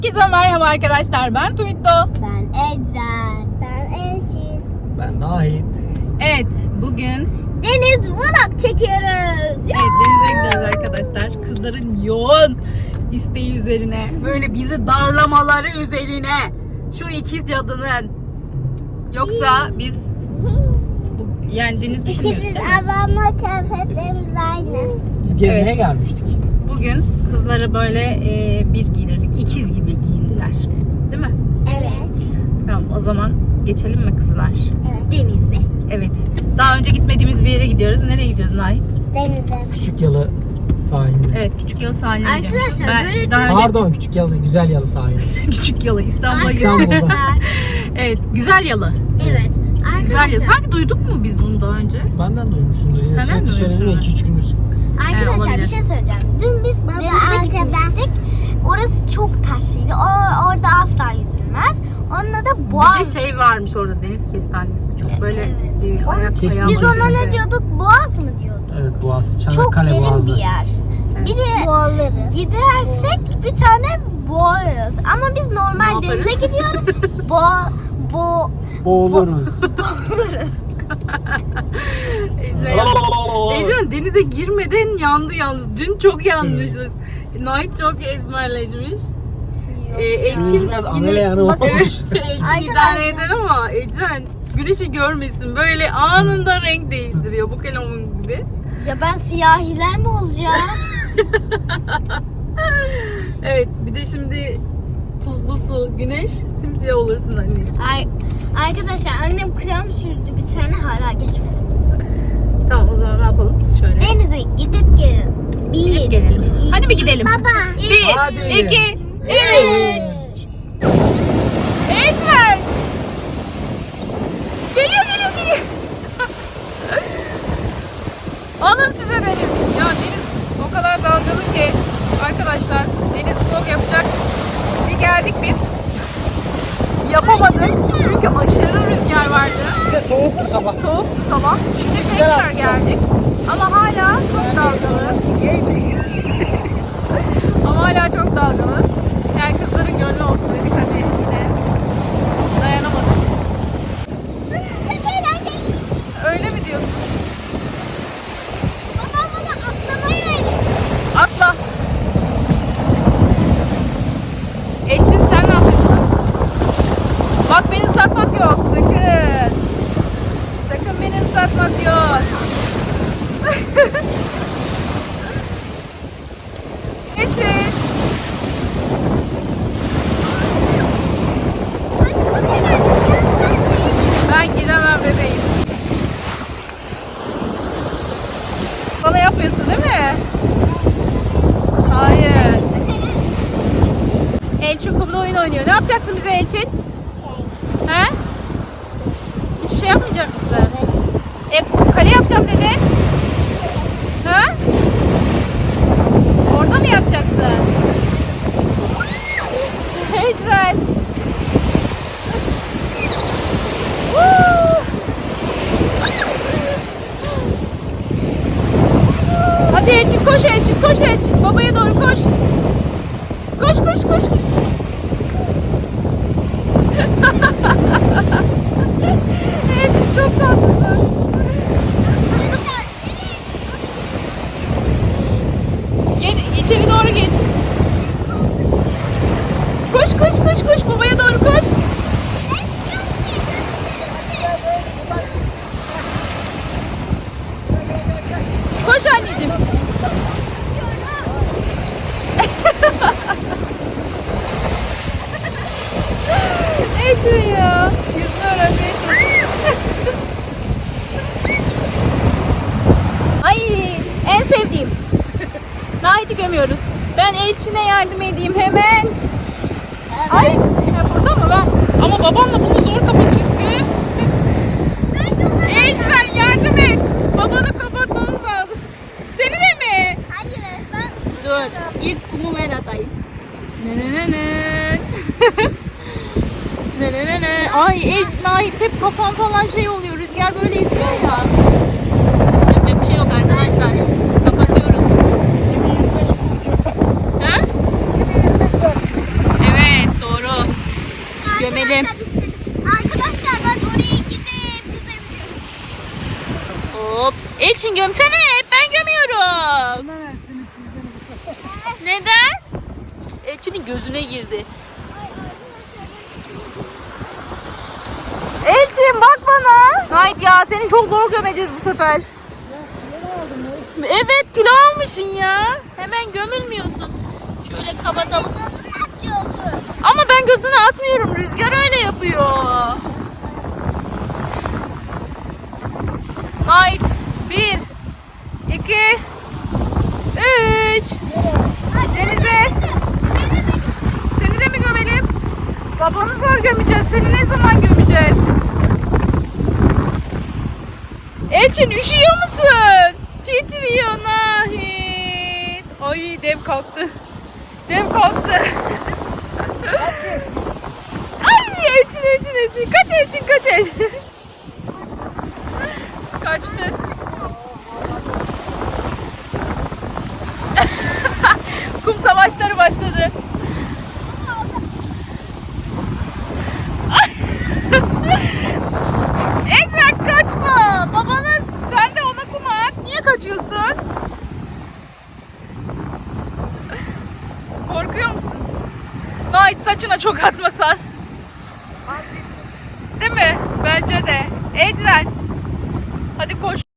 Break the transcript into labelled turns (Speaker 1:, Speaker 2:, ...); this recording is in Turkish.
Speaker 1: Herkese merhaba arkadaşlar. Ben Tuitto.
Speaker 2: Ben Ecren. Ben Elçin.
Speaker 3: Ben Nahit.
Speaker 1: Evet, bugün
Speaker 2: Deniz vlog çekiyoruz.
Speaker 1: denize gidiyoruz arkadaşlar. Kızların yoğun isteği üzerine, böyle bizi darlamaları üzerine, şu ikiz cadının. Yoksa biz yani deniz düşünmüyoruz
Speaker 2: İkimiz
Speaker 1: değil mi?
Speaker 2: ablamla kıyafetlerimiz aynı.
Speaker 3: Biz gezmeye
Speaker 1: Evet.
Speaker 3: gelmiştik.
Speaker 1: Bugün kızlara böyle bir giydirdik. İkiz gibi giyindiler. Değil mi?
Speaker 2: Evet.
Speaker 1: Tamam, o zaman geçelim mi kızlar?
Speaker 2: Evet. Denizde.
Speaker 1: Evet. Daha önce gitmediğimiz bir yere gidiyoruz. Nereye gidiyoruz Nahit?
Speaker 2: Denize.
Speaker 3: Küçük Yalı sahilinde.
Speaker 1: Evet, Küçük Yalı sahiline gidiyoruz.
Speaker 2: Arkadaşlar, böyle
Speaker 1: daha önce
Speaker 3: Pardon, Küçük Yalı, Güzel Yalı sahili.
Speaker 1: Küçük Yalı İstanbul'a
Speaker 3: İstanbul'da.
Speaker 1: gidiyoruz.
Speaker 2: Arkadaşlar.
Speaker 1: Evet, Güzel Yalı.
Speaker 2: Evet.
Speaker 1: Güzel Yalı. Sanki duyduk mu biz bunu daha önce?
Speaker 3: Benden duymuşsundur. Yine
Speaker 1: Senden
Speaker 3: sürekli söyledim ya
Speaker 1: duymuşsun.
Speaker 3: 2-3 gündür.
Speaker 2: Arkadaşlar
Speaker 1: olabilir.
Speaker 2: bir şey söyleyeceğim. Dün biz denize gitmiştik. Orası çok taşlıydı. Orada asla yüzülmez. Onunla da boğaz.
Speaker 1: Bir de şey varmış orada, deniz kestanesi. Çok böyle
Speaker 2: Evet.
Speaker 1: ayak
Speaker 3: Kesin
Speaker 1: ayağı.
Speaker 2: Biz ona
Speaker 3: kesin.
Speaker 2: ne diyorduk? Boğaz mı diyorduk?
Speaker 3: Evet, Boğaz.
Speaker 2: Çok
Speaker 3: Çanakkale
Speaker 2: derin
Speaker 3: Boğazı.
Speaker 2: bir yer.
Speaker 1: Evet.
Speaker 2: Bir de gidersek bir tane boğarız. Ama biz normal
Speaker 1: Ne
Speaker 2: denize
Speaker 1: yaparız?
Speaker 2: gidiyoruz.
Speaker 3: Boğuluruz.
Speaker 2: Boğuluruz.
Speaker 1: Ecen denize girmeden yandı yalnız. Dün çok yanmışız. Nait çok esmerleşmiş. Elçin
Speaker 3: Biraz
Speaker 1: yine...
Speaker 3: amele yanı
Speaker 1: Bak,
Speaker 3: olmuş.
Speaker 1: evet, Elçin idare eder ama Ecen güneşi görmesin. Böyle anında renk değiştiriyor. Bu kelamun gibi.
Speaker 2: Ya ben siyahiler mi olacağım?
Speaker 1: Evet, bir de şimdi tuzlu su, güneş, simsiyah olursun anneciğim.
Speaker 2: Arkadaşlar annem krem sürdü bir tane hala geçmedi.
Speaker 1: Tamam, o zaman ne yapalım? Şöyle.
Speaker 2: Denize gidip gelin.
Speaker 1: Gidip gelelim. Hadi bir gidelim.
Speaker 2: Baba.
Speaker 3: Hadi
Speaker 1: Bir,
Speaker 3: gidelim.
Speaker 1: iki, üç. Ecen! Geliyor. Alın size deniz. Ya deniz o kadar dalgalı ki arkadaşlar, deniz vlog yapacak. Bir geldik biz. Yapamadık çünkü aşırı rüzgar vardı.
Speaker 3: Bir de soğuktu sabah.
Speaker 1: Soğuk sabah. Şimdi
Speaker 3: Güzel
Speaker 1: tekrar
Speaker 3: aslında.
Speaker 1: geldik. Ama hala çok dalgalı. Ama hala çok dalgalı. Yani kızların gönlü olsun dedik, hadi yine. Dayanamadık.
Speaker 2: Çok eğlenceli.
Speaker 1: Öyle mi diyorsun?
Speaker 2: Babam bana atlamayı öğretti.
Speaker 1: Atla. Elçin, sen ne yapıyorsun? Bak, beni ıslatmak yok sakın. Sakın beni ıslatmak yok. Elçin. Ben giremem bebeğim. Bana yapıyorsun değil mi? Hayır. Elçin kumda oyun oynuyor. Ne yapacaksın bize Elçin? He? Hiçbir şey yapmayacak mısın? Kale yapacağım dedin. He? Orada mı yapacaksın? Güzel. Hadi Elçin, koş Elçin, koş Elçin. Babaya doğru koş. Koş. Elçin çok tatlısın. Gel, içeri doğru geç. Koş. Babaya doğru koş. Koş anneciğim. Elçin ya. Yüzünü öğrenmeye çalışıyor. Ay, en sevdiğim. Nahit'i gömüyoruz. Ben Elçin'e yardım edeyim hemen. Ay, ya burada mı ben? Ama babamla bunu zor kapatırız kız. Elçin, yardım et. Babanı kapatmamız lazım. Seni de mi?
Speaker 2: Hayır ben
Speaker 1: Dur, ilk kumu ben atayım. Ay Nahit, hep kafam falan şey oluyor. Rüzgar böyle esiyor ya. Yapacak bir şey yok arkadaşlar. Kapatıyoruz. Ha? Evet. Gömelim.
Speaker 2: Arkadaşlar ben oraya gidip yüzebilirim.
Speaker 1: Hop. Elçin gömsene. Ben gömüyorum. Neden? Elçin'in gözüne girdi. Elçin bak bana. Nait ya seni çok zor gömeceğiz bu sefer. Evet kilo almışsın ya. Hemen gömülmüyorsun. Şöyle kapatalım. Ama ben gözüne atmıyorum. Rüzgar öyle yapıyor. Nait. 1 2 3 Denize. Seni de mi gömelim? Babanı zor gömeceğiz. Seni ne zaman gömeceğiz? Elçin üşüyor musun? Titriyor Nahit. Ay dev kalktı. Dev kalktı. Ay Elçin. Kaç Elçin kaç. Kaçtı. Kum savaşları başladı. Ekran kaçma. Babanız sen de ona kum at. Niye kaçıyorsun? Korkuyor musun? Nait saçına çok atmasan. Değil mi? Bence de. Ecren. Hadi koş.